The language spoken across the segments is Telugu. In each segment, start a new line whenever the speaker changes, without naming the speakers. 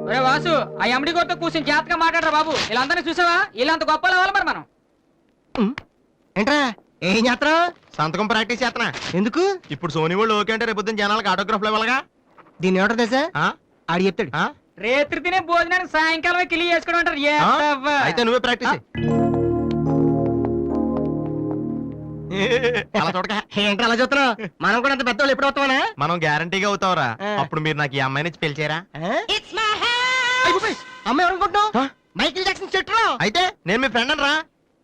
ఒరే వాసు, ఆ ఎమ్డి గోతో కూర్చొని జాగ్రత్తగా మాట్లాడరా బాబు. వీళ్ళందరినీ చూసావా? వీళ్ళంత గొప్పలు అవ్వాలి మరి మనం.
ఏంట్రా ఏం చేస్తున్నావు?
సంతకం ప్రాక్టీస్ చేస్తున్నా.
ఎందుకు?
ఇప్పుడు సోనీ వాళ్ళు ఓకే అంటే రేపు జనాలకు ఆటోగ్రాఫ్లు ఇవ్వాలగా.
దీన్ని ఏమంటారు తెలుసా? ఆడు చెప్తాడు.
రేత్రి తినే భోజనానికి సాయంకాలం కిలి చేసుకోవడం అంటారు.
అయితే నువ్వే ప్రాక్టీస్
ఏంట్రా అలా చూస్తున్నావు? మనం కూడా అంత పెద్దవాళ్ళు ఎప్పుడు అవుతామనా?
మనం గ్యారంటీగా అవుతావురా. అప్పుడు మీరు నాకు ఈ అమ్మాయిని ఇచ్చి పెళ్లి
అమ్మాయి ఎవరనుకుంటున్నావు? మైకిల్ జాక్సన్ చెట్టు.
అయితే నేను మీ ఫ్రెండ్ రా.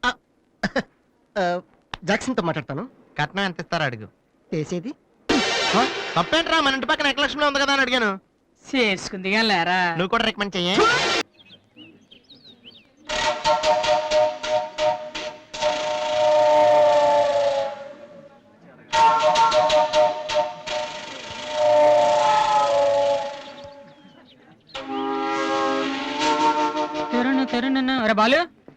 జాక్సన్ తో మాట్లాడతాను.
కట్నం ఎంత ఇస్తారా అడుగు.
చేసేది
తప్పేంట్రా, మన ఇంటి పక్కన ఎక్లక్ష్మిలో ఉంది కదా అని అడిగాను.
చేసుకుంది కానీ లేరా.
నువ్వు కూడా రికమెండ్ చెయ్యి.
బాలు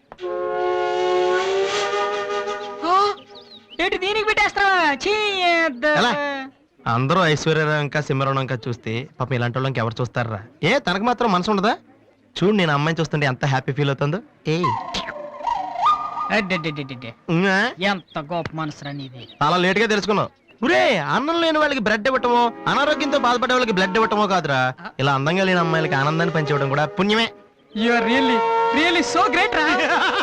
ఏంటి దీనికి పెట్టేస్తావా?
అందరూ ఐశ్వర్యరావు ఇంకా సిమరణం ఇంకా చూస్తే పాపం ఇలాంటి వాళ్ళకి ఎవరు చూస్తారా? తనకు మాత్రం మనసు ఉండదా? చూడు నేను అమ్మాయిని చూస్తుంటే ఎంత హ్యాపీ ఫీల్ అవుతుందో.
ఎంత గొప్ప మనసురా నీది.
చాలా లేట్ గా తెలుసుకున్నావు. ఒరే, అన్నం లేని వాళ్ళకి బ్లడ్ ఇవ్వటమో, అనారోగ్యంతో బాధపడే వాళ్ళకి బ్లడ్ ఇవ్వటమో కాదురా, ఇలా అందంగా లేని అమ్మాయిలకి ఆనందాన్ని పంచివ్వడం కూడా పుణ్యమే.
రియల్లీ సో గ్రేట్ రా.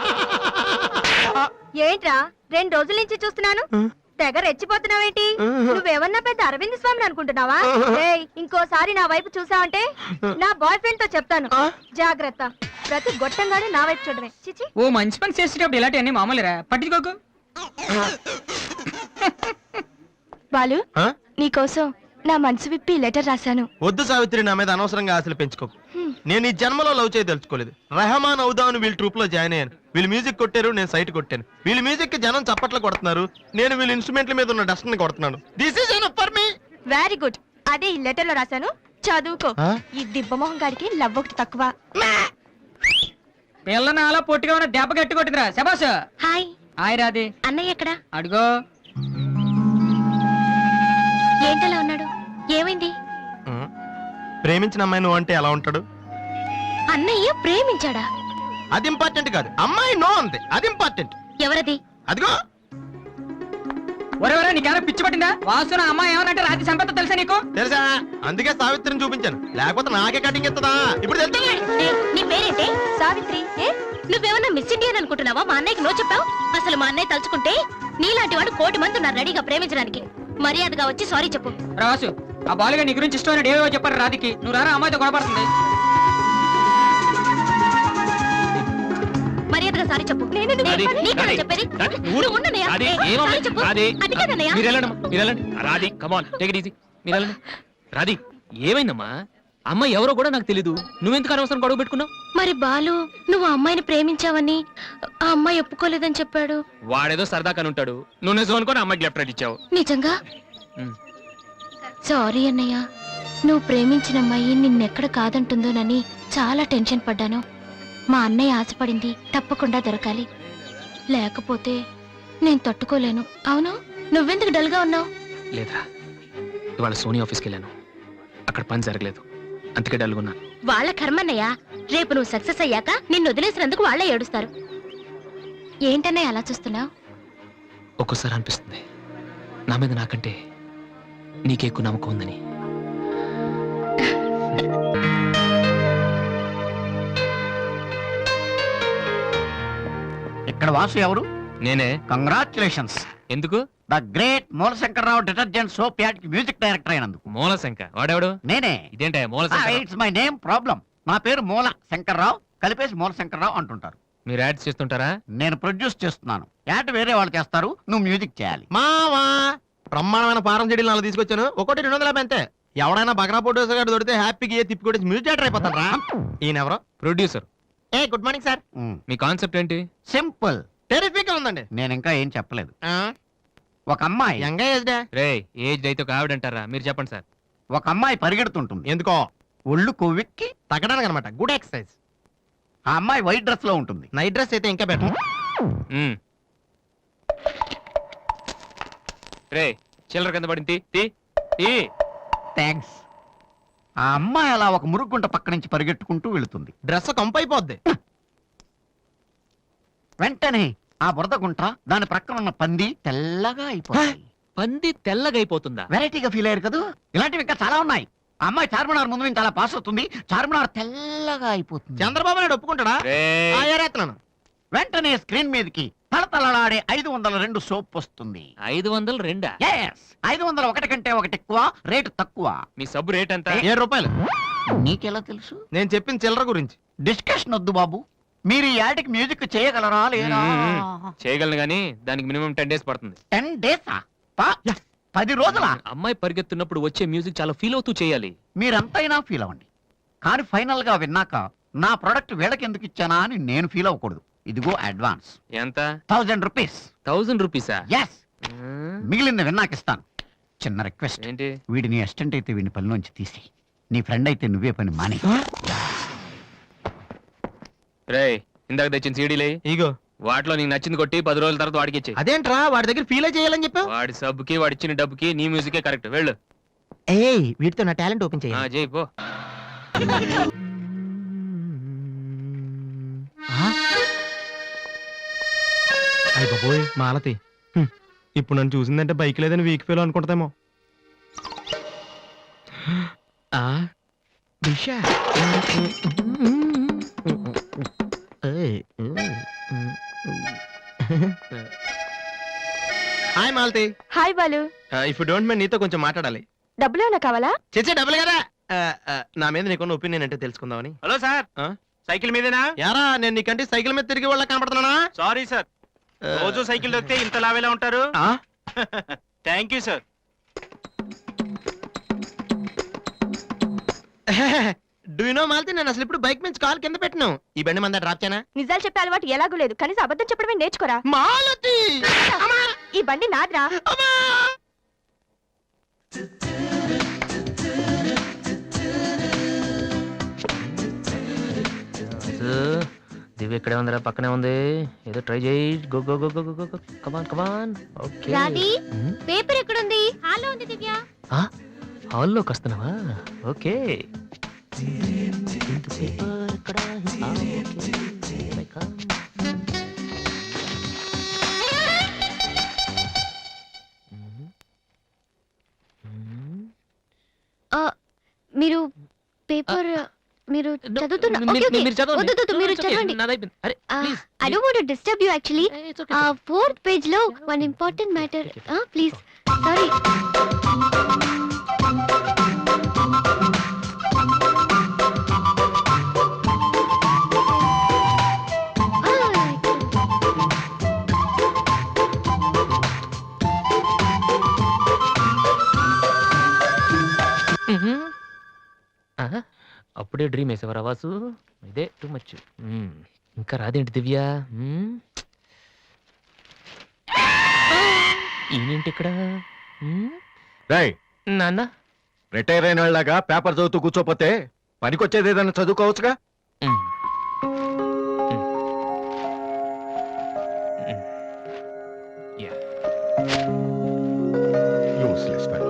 ఏంట్రా 2 రోజుల నుంచి చూస్తున్నాను, తెగ రెచ్చిపోతున్నావేంటి? నువ్వేమన్నా పెద్ద అరవింద్ స్వామిని అనుకుంటున్నావా? ఇంకోసారి నా వైపు చూసావంటే నా బాయ్ ఫ్రెండ్ తో చెప్తాను, జాగ్రత్త. ప్రతి గొట్టంగానే నా వైపు చూడమే. చిచి.
ఓ మంచి పని చేసేటప్పుడు ఇలాంటివన్నీ మామూలురా, పట్టించుకోకు.
బాలు, నీకోసం నా మనసు విప్పి లెటర్ రాశాను.
వద్దు సావిత్రి, నా మీద అనవసరంగా ఆశలు పెంచుకోకు. నేను ఈ జన్మలో లవ్ చేయ తెలుసుకోలేదు. రెహమాన్ అవుదామని వీళ్ళు ట్రూప్ లో జాయిన్ అయ్యాను. వీళ్ళు మ్యూజిక్ కొట్టారు, నేను సైట్ కొట్టాను. వీళ్ళ మ్యూజిక్ కి జనం చప్పట్లు కొడుతున్నారు, నేను వీళ్ళ ఇన్స్ట్రుమెంట్ల మీద ఉన్న డస్ట్ ని కొడుతున్నాను. This is enough for me.
Very good. అదే ఈ లెటర్ లో రాశాను, చదువుకో. ఈ దిబ్బమోహం గారికి లవ్ ఒకటి తక్కువ.
పిల్లని అలా పొట్టిగా ఉన్న దెబ్బ గట్టి కొట్టిందిరా. శబాష్.
హాయ్.
హాయ్ రాది.
అన్నయ్య ఎక్కడా?
అడుగో.
ఏంటలా ఉన్నాడు? ఏమైంది?
ప్రేమించిన అమ్మాయి నువ్వు అంటే ఎలా ఉంటాడు?
అన్నయ్య ప్రేమించాడా?
అది ఇంపార్టెంట్ కాదు, అమ్మాయి నో అంతే, అది ఇంపార్టెంట్.
ఎవరది?
అదిగో.
ఒరే నీకేమైనా పిచ్చి పట్టిందా? వాసు నా అమ్మాయి ఏమనంటే రాత్రి సంపద తెలుసా నీకు?
తెలుసా, అందుకే సావిత్రిని చూపించాను, లేకపోతే నాకే కటింగ్ ఇస్తుందా? ఇప్పుడు తెలుసా?
నీ పేరేంటి? సావిత్రి. నువ్వేమన్నా మిస్ ఇండియన్ అనుకుంటున్నావా? మా అన్నయ్యకి నో చెప్పావు. అసలు మా అన్నయ్య తలుచుకుంటే నీలాంటి వాడు 1,000,000 మంది ఉన్నారు రెడీగా ప్రేమించడానికి. మర్యాదగా వచ్చి సారీ చెప్పు.
రాసు, ఆ బాలుగా నీ గురించి ఇష్టం ఏవో చెప్పారు రాధికి. నువ్వు రారా, అమ్మాయితో గొడవపడుతుంది.
మర్యాదగా సారీ చెప్పు. చెప్పేది
రాధి, ఏమైందమ్మా? అమ్మాయి ఎవరో కూడా నాకు తెలీదు, నువ్వెందుకు అనవసరం గొడవ పెట్టుకున్నావు?
మరి బాలు, నువ్వు ఆ అమ్మాయిని ప్రేమించావని ఆ అమ్మాయి ఒప్పుకోలేదని చెప్పాడు.
వాడేదో సరదా కని ఉంటాడు, నువ్వు నిజం అనుకోని అమ్మాయికి లెఫ్ట్ రైట్ ఇచ్చావు.
నిజంగా సారీ అన్నయ్య. నువ్వు ప్రేమించిన అమ్మాయి నిన్నెక్కడ కాదంటుందోనని చాలా టెన్షన్ పడ్డాను. మా అన్నయ్య ఆశపడింది తప్పకుండా దొరకాలి, లేకపోతే నేను తట్టుకోలేను. అవును, నువ్వెందుకు డల్గా ఉన్నావు?
లేదురా, ఇవాళ సోనీ ఆఫీస్కి వెళ్ళాను, అక్కడ పని జరగలేదు, అందుకే డల్గున్నాను.
వాళ్ళ కర్మన్నయ్య. రేపు నువ్వు సక్సెస్ అయ్యాక నిన్ను వదిలేసినందుకు వాళ్ళే ఏడుస్తారు. ఏంటన్నయ్య అలా చూస్తున్నావు?
ఒక్కోసారి అనిపిస్తుంది నా మీద నాకంటే నీకే ఎక్కువ నమ్మకం ఉందని.
ఇక్కడ వాసు ఎవరు?
నేనే.
కంగ్రాచులేషన్స్.
ఎందుకు?
The great Moolashankararao detergent soap ad కి మ్యూజిక్ డైరెక్టర్ అయినందుకు.
మూలశంకర్ వాడెవడు?
నేనే.
ఇదేంటే Moolashankar?
It's my name problem. నా పేరు మూల శంకర్రావు, కలిపేసి మూలశంకరరావు అంటుంటారు.
మీరు యాడ్స్ చేస్తుంటారా?
నేను ప్రొడ్యూస్ చేస్తున్నాను. యాడ్ వేరే వాళ్ళు చేస్తారు, నువ్వు మ్యూజిక్ చేయాలి.
మావా, బ్రహ్మాండమైన పారం చెడీలు నాలుగు తీసుకొచ్చాను, ఒకటి 250 అంతే. ఎవడైనా బగ్రా ప్రొడ్యూసర్ గారు దొరికితే హ్యాపీగా తిప్పి కొట్టేసి మ్యూజిక్ డైరెక్టర్ అయిపోతారా? ఈయన ఎవరో
ప్రొడ్యూసర్.
Good morning sir.
మీ కాన్సెప్ట్ ఏంటి?
సింపుల్,
టెరిఫిక్ గా ఉందండి.
నేను ఇంకా ఏం చెప్పలేదు. ఒక అమ్మాయి
యంగ్ ఏజ్
రే, ఏజ్ అయితే ఒక ఆవిడ అంటారా? మీరు చెప్పండి సార్.
ఒక అమ్మాయి పరిగెడుతుంటుంది.
ఎందుకో?
ఒళ్ళు కొవ్వెక్కి
తగ్గడానికి అనమాట. Good exercise.
ఆ అమ్మాయి వైట్ డ్రెస్ లో ఉంటుంది.
నైట్ డ్రెస్ అయితే ఇంకా బెటర్.
రే, చిల్లర కింద పడింది.
థ్యాంక్స్. ఆ అమ్మాయి అలా ఒక మురుగుంట పక్క నుంచి పరిగెట్టుకుంటూ వెళుతుంది.
డ్రెస్ కంపైపోద్ది.
వెంటనే ఆ బురద గుంట దాని ప్రక్కన ఉన్న పంది తెల్లగా అయిపోతుంది.
పంది తెల్లగైపోతుందా?
వెరైటీగా ఫీల్ అయ్యారు కదా. ఇలాంటివి ఇంకా చాలా ఉన్నాయి. ఆ అమ్మాయి చార్మినార్ ముందు నుంచి అలా పాస్ అవుతుంది. చార్మినార్ తెల్లగా అయిపోతుంది.
చంద్రబాబు నాయుడు ఒప్పుకుంటాడా?
రేయ్,
ఏరేస్తున్నాను.
వెంటనే స్క్రీన్ మీదకి తలతలలాడే 502 సోప్ వస్తుంది.
502?
Yes, 501 కంటే ఒకటి ఎక్కువ, రేటు తక్కువ.
మీ సబ్బు రేట్ ఎంత?
7 రూపాయలు.
నీకెలా తెలుసు?
నేను చెప్పిన చిల్లర గురించి.
డిస్కషన్ వద్దు బాబు. మీరు ఈ యాడ్కి మ్యూజిక్ చేయగలరా లేదా?
చేయగలను గానీ దానికి మినిమం 10 డేస్ పడుతుంది.
10 డేసా? 10 రోజులా?
అమ్మాయి పరిగెత్తున్నప్పుడు వచ్చే మ్యూజిక్ చాలా ఫీల్ అవుతూ చేయాలి.
మీరంతైనా ఫీల్ అవ్వండి, కానీ ఫైనల్ గా విన్నాక నా ప్రోడక్ట్ వీళ్ళకి ఎందుకు ఇచ్చానా అని నేను ఫీల్ అవ్వకూడదు. ఇదిగో అడ్వాన్స్
ఎంత?
1000 రూపీస్.
1000 రూపీసా?
ఎస్, మిగిలింది విన్నాక ఇస్తాను. చిన్న రిక్వెస్ట్,
ఏంటి?
వీడిని అసిస్టెంట్ అయితే వీడిని పనిలోంచి తీసి, నీ ఫ్రెండ్ అయితే నువ్వే పని మాని.
రేయ్, ఇందాక తెచ్చిన సీడీలే
ఇగో.
వాటిలో నీకు నచ్చింది కొట్టి 10 రోజుల తర్వాత వాడికి ఇచ్చే.
అదేంట్రా వాడి దగ్గర ఫీల్ చేయాలని చెప్పావు?
వాడి సబ్బుకి వాడి ఇచ్చిన డబ్బుకి నీ మ్యూజికే కరెక్ట్. వెళ్ళు.
ఏయ్, వీటితో నా టాలెంట్ ఓపెన్ చేయి.
చేయి పో.
అయ్య బాబోయ్, మాలతి. ఇప్పుడు నన్ను చూసిందంటే బైక్ లేదని వీక్ ఫీల్ అనుకుంటామేమో. Disha. Hi Malathi.
Hi Balu.
If you don't mind నీతో కొంచెం మాట్లాడాలి.
డబ్బులు ఏమైనా కావాలా?
చేసే డబ్బులు కదా. నా మీద నీకున్న ఒపీనియన్ అంటే తెలుసుకుందామని.
హలో సార్,
ఆ?
సైకిల్ మీదేనా?
యారా, నేను నీకంటే సైకిల్ మీద తిరిగి వాళ్ళ కనపడుతున్నానా?
సారీ సార్, రోజు సైకిల్ దొక్కితే ఇంత లావేలా ఉంటారు.
ఆ?
Thank you sir.
Do you know Malathi, నేను అసలు ఇప్పుడు బైక్ నుంచి కాల్ కింద పెట్టను. ఈ బండి మంద డ్రాప్ చేయనా?
నిజాలు చెప్పే అలవాటు ఎలాగూ లేదు, కనీసం అబద్ధం చెప్పడమే నేర్చుకోరా.
మాలతి.
ఈ బండి నాదిరా.
దివ్య ఇక్కడే ఉందిరా, పక్కనే ఉంది. ఏదో ట్రై చేయి. Go go go go go. Come on come on. Okay.
Radhi, paper ఎక్కడుంది? హాల్లో ఉంది దివ్య.
హాల్లోకి వస్తున్నావా? ఓకే.
మీరు పేపర్ మీరు చదువుతున్నా. Okay, okay. వద్దు, వద్దు, మీరు చదవండి. I don't want to disturb you actually. 4th page లో one important matter. Please. Sorry.
అప్పుడే డ్రీమ్ వేసేవారా వాసు? ఇదే టూ మచ్. ఇంకా రాదేంటి దివ్య? ఈయనేంటి ఇక్కడ? నాన్న,
రిటైర్ అయిన వాళ్ళగా పేపర్ చదువుతూ కూర్చోపోతే పనికొచ్చేది ఏదైనా చదువుకోవచ్చుగా.